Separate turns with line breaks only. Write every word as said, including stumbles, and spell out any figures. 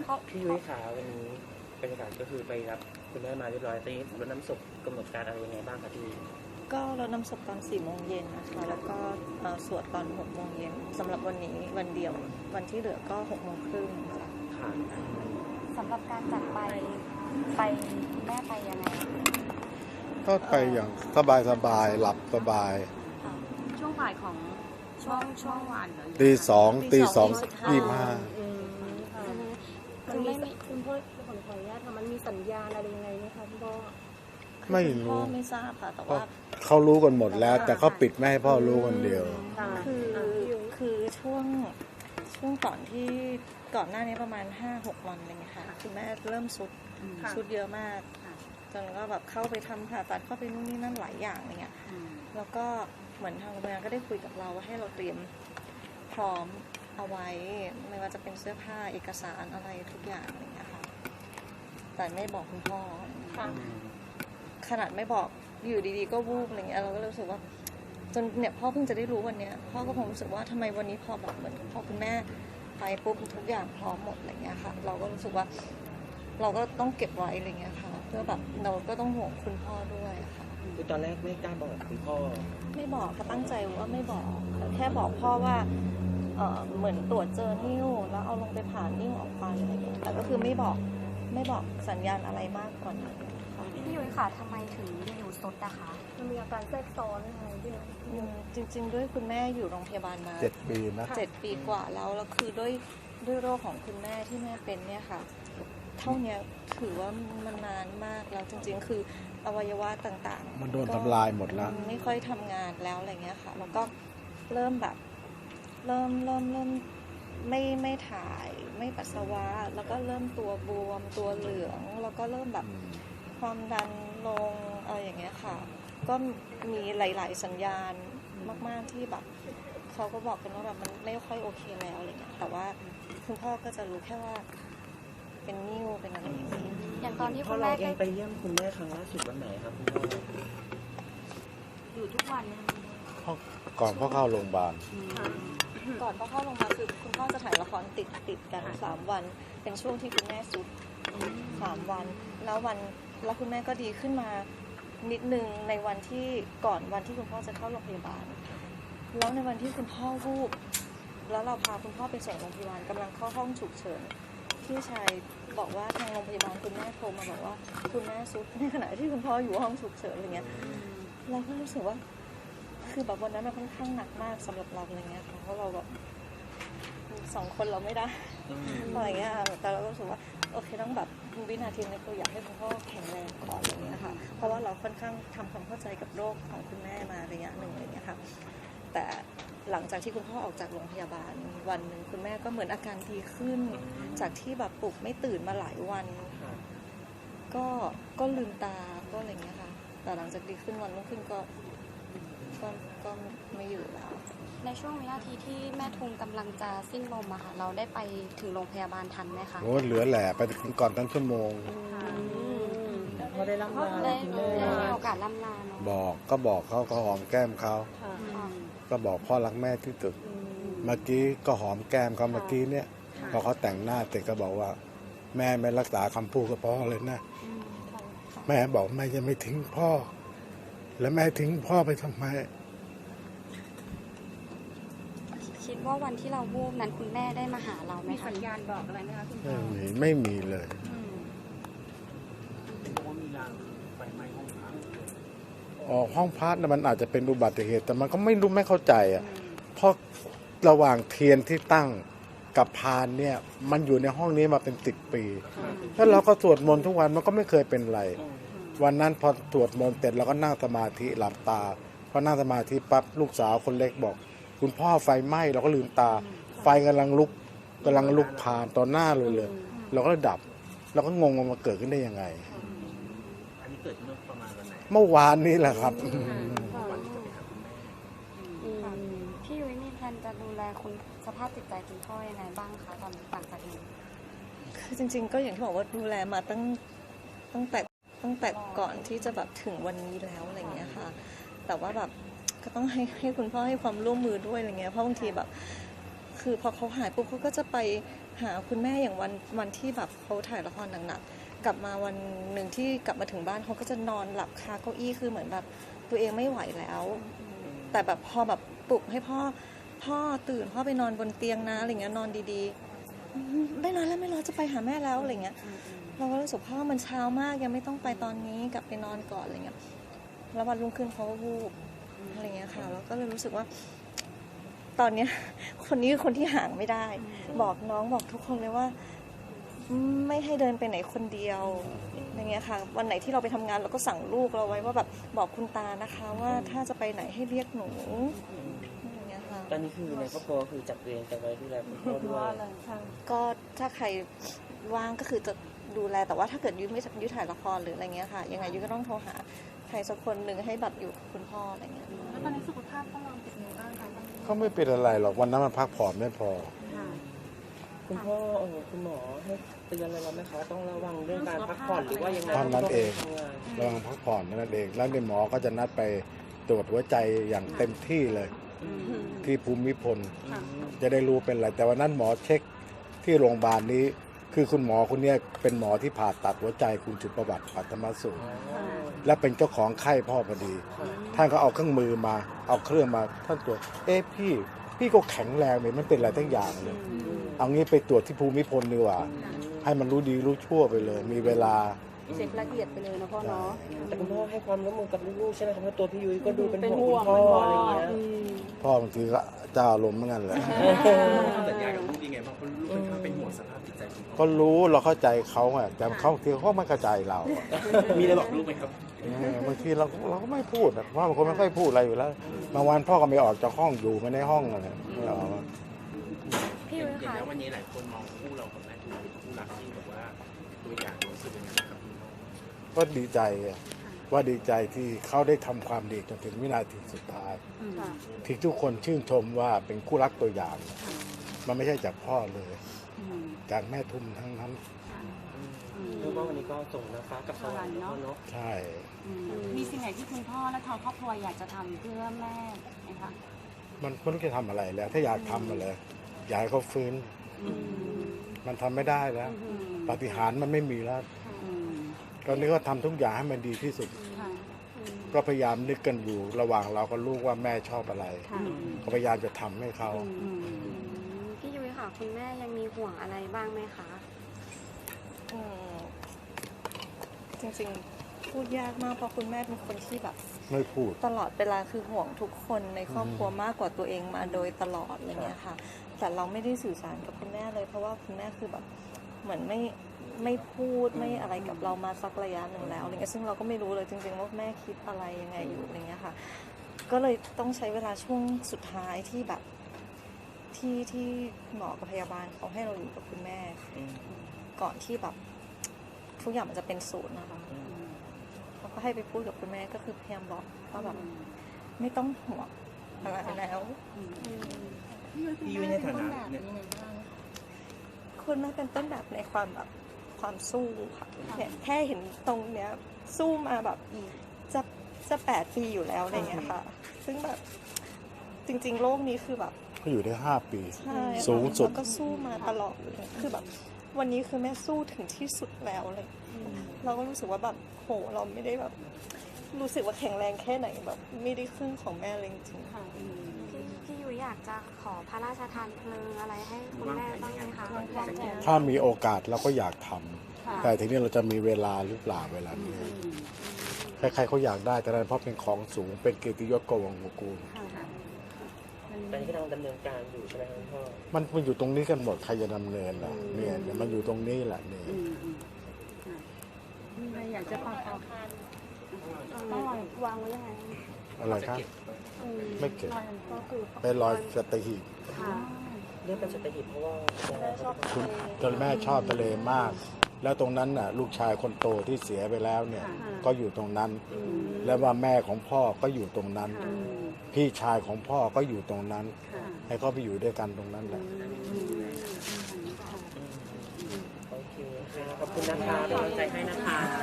พี่ยุ้ยขาวันนี้บรรยากาศก็คือไปรับคุณแม่มาเรียบร้อยตอนนี้รดน้ำศพกำหนดการอะไรยังไงบ้างคะพี่
ก็รดน้ำศพตอนสี่โมงเย็นนะคะแล้วก็สวดตอนหกโมงเย็นสำหรับวันนี้วันเดียววันที่เหลือก็หกโมงครึ่งค่ะ
สำหรับการจากไปไปแม่ไปยังไง
ก็ไปอย่างสบายสบายหลับสบาย
ช่วงบ่ายของช่วงช่วงวัน
ตีสองตีสองยี่ห้า
มันไม่คุณพ่อขอขออนุญาตค่ะมันมีสัญญาณอะไรยังไงไหมคะคุณพ่อ
ไม่รู้
ไม่ทราบค่ะแต่ว่า
เขารู้กันหมดแล้วแต่เขาปิดไม่ให้พ่อรู้คนเดียว
คือคือช่วงช่วงก่อนที่ก่อนหน้านี้ประมาณห้าหกวันอะไรเงี้ยค่ะคุณแม่เริ่มสุดสุดเยอะมากจนก็แบบเข้าไปทำผ่าตัดเข้าไปนู่นนี่นั่นหลายอย่างอะไรเงี้ยแล้วก็เหมือนทางโรงพยาบาลก็ได้คุยกับเราว่าให้เราเตรียมพร้อมเอาไว้ไม่ว่าจะเป็นเสื้อผ้าเอกสารอะไรทุกอย่างอะไรเงี้ยค่ะแต่ไม่บอกคุณพ่อขนาดไม่บอกอยู่ดีๆก็วูบอะไรเงี้ยเราก็รู้สึกว่าจนเนี่ยพ่อเพิ่งจะได้รู้วันเนี้ยพ่อก็คงรู้สึกว่าทำไมวันนี้พอแบบเหมือนพอคุณแม่ไปปุ๊บทุกอย่างพร้อมหมดอะไรเงี้ยค่ะเราก็รู้สึกว่าเราก็ต้องเก็บไว้อะไรเงี้ยค่ะเพื่อแบบเราก็ต้องห่วงคุณพ่อด้วยค่ะ
คือตอนแรกไม่กล้าบอกคุณพ่อ
ไม่บอกก็ตั้งใจว่าไม่บอกแค่บอกพ่อว่าเออเหมือนตรวจเจอนิ้วแล้วเอาลงไปผ่านิ้วออกไปอะไรเงี้ยแต่ก็คือไม่บอกไม่บอกสัญญาณอะไรมากกว่านั้น
พี่ยุ้ยค่ะทำไมถึงอยู่สุดนะคะมันมีอาการแทรกซ้อนอะไรด้วย
จริงๆด้วยคุณแม่อยู่โรงพยาบาลมา
เจ็ดปีนะ
เจ็ดปีกว่าแล้วแล้วคือด้วยด้วยโรคของคุณแม่ที่แม่เป็นเนี่ยค่ะเท่านี้ถือว่ามันนานมากแล้วจริงๆคืออวัยวะต่าง
ๆมันโดนทำลายหมดแล้ว
ไม่ค่อยทำงานแล้วอะไรเงี้ยค่ะแล้วก็เริ่มแบบเริ่มเริ่มเริ่มไม่ไม่ถ่ายไม่ปัสสาวะแล้วก็เริ่มตัวบวมตัวเหลืองแล้วก็เริ่มแบบความดันลงอะไรอย่างเงี้ยค่ะก็มีหลายๆสัญญาณมากๆที่แบบเขาก็บอกกันว่าแบบมันไม่ค่อยโอเคแล้วอะไรเงี้ยแต่ว่าคุณพ่อก็จะรู้แค่ว่าเป็นนิ้วเป็นอะไรอย่างนี้
อย่างตอนที่
คุณแม่เองไปเยี่ยมคุณแม่ครั้งล่าสุดวันไหนครับคุณพ่อ
อยู่ทุกวันนะคะ
ก่อนพ่อเข้าโรงพยาบาล
ก่อนพ่อเข้าโรงพยาบาลคือคุณพ่อจะถ่ายละครติดติดกันสามวันเป็นช่วงที่คุณแม่สุดสามวันแล้ววันแล้วคุณแม่ก็ดีขึ้นมานิดนึงในวันที่ก่อนวันที่คุณพ่อจะเข้าโรงพยาบาลแล้วในวันที่คุณพ่อวูบแล้วเราพาคุณพ่อไปส่งโรงพยาบาลกำลังเข้าห้องฉุกเฉินพี่ชายบอกว่าทางโรงพยาบาลคุณแม่โทรมาบอกว่าคุณแม่ซุดในขณะที่คุณพ่ออยู่ห้องฉุกเฉินอะไรเงี้ยเราก็รู้สึกว่าคือแบบวันนั้นมันค่อนข้างหนักมากสำหรับเราอะไรเงี้ยเพราะเราแบบสองคนเราไม่ได้อะไรเงี้ยแต่เราก็รู้สึกว่าโอเคต้องแบบวินาทีนี้เราอยากให้คุณพ่อแข็งแรงก่อนอะไรเงี้ยค่ะเพราะว่าเราค่อนข้างทำความเข้าใจกับโรคของคุณแม่มาระยะหนึ่งอะไรเงี้ยค่ะแต่หลังจากที่คุณพ่อออกจากโรงพยาบาลวันหนึ่งคุณแม่ก็เหมือนอาการดีขึ้นจากที่แบบปลุกไม่ตื่นมาหลายวันก็ก็ลืมตาก็อะไรเงี้ยค่ะแต่หลังจากดีขึ้นวันรุ่งขึ้นก็ก็ก็ไม่อยู่แล้ว
ในช่วงวินาทีที่แม่ทุงกำลังจะสิ้นลมอะค่ะเราได้ไปถึงโรงพยาบาลทันไหมคะ
โอ้เหลือแหละไปถึงก่อนตั้งชั่วโมง
พอได้ล่ำลา
ได้มีโอกาสล่ำลาเนาะ
บอกก็บอกเขาก็หอมแก้มเขาก็บอกพ่อรักแม่ที่สุดเมื่อกี้ก็หอมแก้มเขาเมื่อกี้เนี่ยพอเขาแต่งหน้าเสร็จก็บอกว่าแม่ไม่รักษาคำพูดกับพ่อเลยนะแม่บอกแม่จะไม่ทิ้งพ่อแล้วแม่ทิ้งพ่อไปทำไม
คิดว่าวันที่เราวูบนั้นคุณแม่ได้มาหาเราไหมคะสัญญาณบอกอะไรไหมคะคุณพ่อ
ไม่มีไม่มีเลยอ๋อห้องพักมันอาจจะเป็นอุบัติเหตุแต่มันก็ไม่รู้ไม่เข้าใจอ่ะเพราะระหว่างเทียนที่ตั้งกับพานเนี่ยมันอยู่ในห้องนี้มาเป็นสิบปีแล้วเราก็สวดมนต์ทุกวันมันก็ไม่เคยเป็นไรวันนั้นพอสวดมนต์เสร็จเราก็นั่งสมาธิหลับตาพอนั่งสมาธิปั๊บลูกสาวคนเล็กบอกคุณพ่อไฟไหม้เราก็ลืมตาไฟกำลังลุกกำลังลุกผ่านต่อหน้าเลยเลยเราก็ดับเราก็งงว่ามันเกิดขึ้นได้ยังไง
อันนี้เกิดเมื่อประมาณวันไหน
เมื่อวานนี้แหละครับ
พี่ยุ้ยมีแผนจะดูแลคุณสภาพจิตใจคุณพ่อยังไงบ้างคะตอนหลังจากนี้
คือจริงๆก็อย่างที่บอกว่าดูแลมาตั้งตั้งแต่ตั้งแต่ก่อนที่จะแบบถึงวันนี้แล้วอะไรเงี้ยค่ะแต่ว่าแบบก็ต้องให้ให้คุณพ่อให้ความร่วมมือด้วยอะไรเงี้ยเพราะบางทีแบบคือพอเขาหายปุ๊บเขาก็จะไปหาคุณแม่อย่างวันวันที่แบบเขาถ่ายละครหนักๆกลับมาวันหนึ่งที่กลับมาถึงบ้านเขาก็จะนอนหลับคาเก้าอี้คือเหมือนแบบตัวเองไม่ไหวแล้ว แต่แบบพอแบบปลุกให้พ่อพ่อตื่นพ่อไปนอนบนเตียงนะอะไรเงี้ยนอนดีๆไม่นอนแล้วไม่รอจะไปหาแม่แล้วอะไรเงี้ยเราก็รู้สึกพ่อมันเช้ามากยังไม่ต้องไปตอนนี้กลับไปนอนก่อนอะไรเงี้ยแล้ววันรุ่งขึ้นเขาก็วูบอะไรเงี้ยค่ะแล้วก็เลยรู้สึกว่า ตอนเนี้ยคนนี้คือคนที่ห่างไม่ได้ บอกน้องบอกทุกคนเลยว่า ไม่ให้เดินไปไหนคนเดียวอย่างเงี้ยค่ะ วันไหนที่เราไปทำงานเราก็สั่งลูกเราไว้ว่าแบบบอกคุณตานะคะ ว่าถ้าจะไปไหนให้เรียกหนูอย่างเงี้ยค่ะ
ตอนนี้คือในครอบครัวคือจับตัวเองจะไว้ดูแลคุณพ่อด้วย
ก็ถ้าใครว่างก็คือจะดูแลแต่ว่าถ้าเกิดยุ้ยไม่ยุ้ยถ่ายละครหรืออะไรเงี้ยค่ะยังไงยุ้ยก็ต้องโทรหาใครสักคนหนึ่งให้แบบอยู่กับคุณพ่ออะไรเงี้ย
แล้วตอนนี้สุขภาพต้องลองเป็นยังไงบ้างคะ
ก็ไม่เป็นอะไรหรอกวันนั้นมันพักผ่อนไม่พอ
คุณพ่อเออคุณหมอให้เตือนอะไรเราไหมคะต้องระวังเรื่องการพักผ่อนหรือว่ายังไง
เท่านั้นเอง
ทำงาน
ระวังพักผ่อนนั่นเองแล้วในหมอก็จะนัดไปตรวจหัวใจอย่างเต็มที่เลย ที่ภูมิพลจะได้รู้เป็นอะไรแต่วันนั้นหมอเช็คที่โรงพยาบาลนี้ คือคุณหมอคนเนี้ยเป็นหมอที่ผ่าตัดหัวใจคุณจุดประวัติปัตมสูตรและเป็นเจ้าของไข้พ่อพอดี ท่านก็เอาเครื่องมือมาเอาเครื่องมาท่านตรวจเอ๊ะพี่พี่ก็แข็งแรงเลยมันเป็นอะไรทั้งอย่างเลยเอางี้ไปตรวจที่ภูมิพลดีกว่า ให้มันรู้ดีรู้ชั่วไปเลย มีเวลา
เช็คละเอียดไปเลยนะพ่อเนาะ
แต่คุณพ่อให้ความร่วมมือกับลูกๆใช่ไหมครับเพราะตัวพี่ยุ้ยก็ดูเป็นห่วงคุณพ่ออะไรอย่างเงี้ย
พ่อบางทีก็เจ้าอารมณ์เหมือนกันแหละ
สัญญากับลูกยังไงบ้างเพราะลูกเป็นเป็นห่วงสภาพจิตใจคุณพ่อ
ก็รู้เราเข้าใจเขาอะแต่เขาบางทีเขาไม่เข้าใจเราอะ
มีอะไรบอกลูกไหมครับ
เออบางทีเราเราก็ไม่พูดอะเพราะบางคนไม่ค่อยพูดอะไรอยู่แล้วบางวันพ่อก็ไม่ออกจากห้องอยู่มาในห้องอะไรเรา
พี่ยุ้ย
อย่าง
ค่ะ
นี้วันนี้หลายคนมองคู่เรากับแม่ทุมเป็นคู่รักที่แบบว่าตัวอย่างรู้สึกยังไงบ้างครับคุณพ่อ
ก็ดีใจอะว่าดีใจที่เขาได้ทำความดีจนถึงวินาทีสุดท้าย ที่ทุกคนชื่นชมว่าเป็นคู่รักตัวอย่าง มันไม่ใช่จากพ่อเลย จากแม่ทุมทั้งนั้น
เรียกว่าวันนี้ก็ส่งนะคะกับสวรรค์เนาะเนาะ
ใช่
มีสิ่งไหนที่คุณพ่อและทางครอบครัวอยากจะทำเพื่อแม่ไหมคะ
มันไม่รู้จะทำอะไรแล้ว ถ้าอยากทำมาเลยอยากให้เขาฟื้น มันทำไม่ได้แล้วปาฏิหาริย์มันไม่มีแล้วตอนนี้ก็ทำทุกอย่างให้มันดีที่สุด ก็พยายามนึกกันอยู่ระหว่างเรากับลูกว่าแม่ชอบอะไร ก็พยายามจะทำให้เขา
พี่ยุ้ยค่ะ คุณแม่ยังมีห่วงอะไรบ้างไหมคะ
อืมจริงๆพูดยากมากเพราะคุณแม่เป็นคนที่แบบ
ไม่พูด
ตลอดเวลาคือห่วงทุกคนในครอบครัวมากกว่าตัวเองมาโดยตลอดอะไรเงี้ยค่ะ แต่เราไม่ได้สื่อสารกับคุณแม่เลย เพราะว่าคุณแม่คือแบบเหมือนไม่ไม่พูดไม่อะไรกับเรามาสักระยะหนึ่งแล้วอะไรเงี้ยซึ่งเราก็ไม่รู้เลยจริงๆว่าแม่คิดอะไรยังไงอยู่อะไรเงี้ยค่ะ ก็เลยต้องใช้เวลาช่วงสุดท้ายที่แบบที่ที่หมอกับพยาบาลเขาให้เราอยู่กับคุณแม่ ก่อนที่แบบทุกอย่างมันจะเป็นศูนย์นะคะเขาก็ให้ไปพูดกับคุณแม่ก็คือพยายามบอกว่าแบบไม่ต้องห่วงอะไรแล้ว
พี่ยุ้ยในฐานะเนี่ย
คุณแม่เป็นต้นแบบในความแบบความสู้ค่ะเนี่ยแค่เห็นตรงเนี้ยสู้มาแบบจะจะแปดปีอยู่แล้วอะไรเงี้ยค่ะ ซึ่งแบบจริงๆโลกนี้คือแบบ
เขาอยู่ได้ห้าปี
ใช่ค่ะ
สูงสุด
แล้วก็สู้มาตลอดเลยคือแบบวันนี้คือแม่สู้ถึงที่สุดแล้วเลย เราก็รู้สึกว่าแบบโหเราไม่ได้แบบ รู้สึกว่าแข็งแรงแค่ไหนแบบไม่ได้ครึ่งของแม่เลยจริงๆ
พี่พี่ยุ้ยอยากจะขอพระราชทานเพลิงอะไรให้คุณแม่บ้างไหมคะวางแผน
ถ้ามีโอกาสเราก็อยากทำแต่ทีนี้เราจะมีเวลาหรือเปล่าเวลานี้ใครๆเขาอยากได้แต่นั้นเพราะเป็นของสูงเป็นเกียรติยศกวงศ์กูล
ตอนนี้ก็กำลังดำเนินการอยู่ใช่ไหมครับคุณพ่อ
มันมันอยู่ตรงนี้กันหมดใครจะดำเนินล่ะเนี่ยเดี๋ยวมันอยู่ตรงนี้แหละเนี่ย
มีอะไรอยากจะฝากเอาต้องวางไว้ยังไง
อะไรครับ
อืม
ไม่เก็บ
ก็คือ
ไปลอยสตหีบ
ค่ะ
เรื่องเป็นสตหีบเพราะว่า
คุณจนแม่ชอบทะเลมาก แล้วตรงนั้นน่ะลูกชายคนโตที่เสียไปแล้วเนี่ยก็อยู่ตรงนั้น และว่าแม่ของพ่อก็อยู่ตรงนั้น พี่ชายของพ่อก็อยู่ตรงนั้น ให้เขาไปอยู่ด้วยกันตรงนั้นแหละ
โอเคค่ะขอบคุณนะคะเป็นกำลังใจให้นะคะ